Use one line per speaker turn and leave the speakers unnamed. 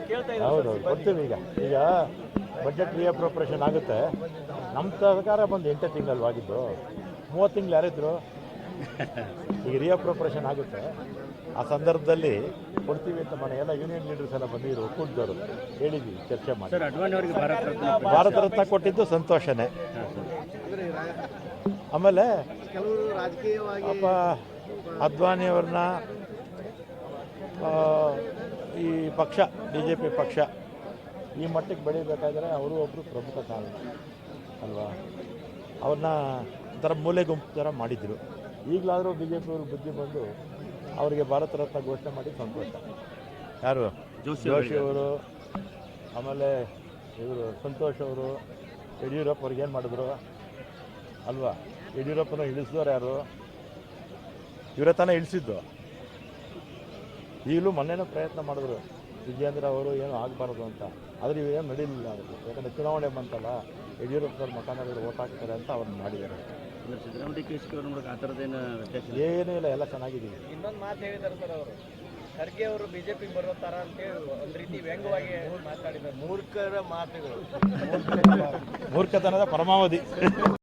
ಹೌದು ಗೊತ್ತಿಲ್ಲ. ಈಗ ಬಜೆಟ್ ರಿಅಪ್ರೋಪ್ರಿಯೇಷನ್ ಆಗುತ್ತೆ. ನಮ್ಮ ಸರ್ಕಾರ ಬಂದು 8 ತಿಂಗಳಲ್ವಾಗಿದ್ದು 30 ತಿಂಗಳು ಯಾರಿದ್ರು. ಈಗ ರಿಅಪ್ರೋಪ್ರಿಯೇಷನ್ ಆಗುತ್ತೆ, ಆ ಸಂದರ್ಭದಲ್ಲಿ ಕೊಡ್ತೀವಿ ಅಂತ ಮನೆ ಎಲ್ಲ ಯೂನಿಯನ್ ಲೀಡರ್ಸ್ ಎಲ್ಲ ಬಂದಿದ್ರು, ಒಕ್ಕೂಟದವರು ಹೇಳಿದ್ವಿ, ಚರ್ಚೆ ಮಾಡಿ. ಭಾರತ ರತ್ನ ಕೊಟ್ಟಿದ್ದು ಸಂತೋಷನೇ. ಆಮೇಲೆ ಪಾಪ ಅದ್ವಾನಿಯವ್ರನ್ನ ಈ ಪಕ್ಷ BJP ಪಕ್ಷ ಈ ಮಟ್ಟಕ್ಕೆ ಬೆಳೀಬೇಕಾದ್ರೆ ಅವರು ಒಬ್ಬರು ಪ್ರಮುಖ ಕಾರಣ ಅಲ್ವಾ. ಅವ್ರನ್ನ ಒಂಥರ ಮೂಲೆ ಗುಂಪು ಥರ ಮಾಡಿದರು. ಈಗಲಾದರೂ BJP ಅವರು ಬುದ್ಧಿ ಬಂದು ಅವರಿಗೆ ಭಾರತ ರತ್ನ ಘೋಷಣೆ ಮಾಡಿ ಸಂತೋಷ. ಯಾರು ಜೋಶಿ ಅವರು, ಆಮೇಲೆ ಇವರು ಸಂತೋಷ್ ಅವರು, ಯಡಿಯೂರಪ್ಪ ಅವ್ರಿಗೆ ಏನು ಮಾಡಿದ್ರು ಅಲ್ವಾ. ಯಡಿಯೂರಪ್ಪನ ಇಳಿಸಿದವ್ರು ಯಾರು? ಇವರ ತಾನೇ ಇಳಿಸಿದ್ದು. ಈಗಲೂ ಮೊನ್ನೆನೂ ಪ್ರಯತ್ನ ಮಾಡಿದ್ರು ವಿಜಯೇಂದ್ರ ಅವರು ಏನು ಆಗಬಾರ್ದು ಅಂತ, ಆದರೆ ಇವೇನು ನಡೀಲಿಲ್ಲ ಅವರು. ಯಾಕಂದರೆ ಚುನಾವಣೆ ಬಂತಲ್ಲ, ಯಡಿಯೂರಪ್ಪನವ್ರ ಮಕಾನವರು ಓಟ್ ಹಾಕ್ತಾರೆ ಅಂತ ಅವ್ರನ್ನ ಮಾಡಿದ್ದಾರೆ. ಏನೂ ಇಲ್ಲ, ಎಲ್ಲ ಚೆನ್ನಾಗಿದ್ದೀವಿ.
ಇನ್ನೊಂದು ಮಾತು ಹೇಳಿದ್ದಾರೆ ಸರ್ ಅವರು, ಖರ್ಗೆ ಅವರು ಬಿಜೆಪಿ ಬರೋ ಥರ ಅಂತೇಳಿ ಒಂದು ರೀತಿ ವ್ಯಂಗ್ಯವಾಗಿ ಮಾತಾಡಿದ್ದಾರೆ. ಮೂರ್ಖರ ಮಾತುಗಳು,
ಮೂರ್ಖತನದ ಪರಮಾವಧಿ.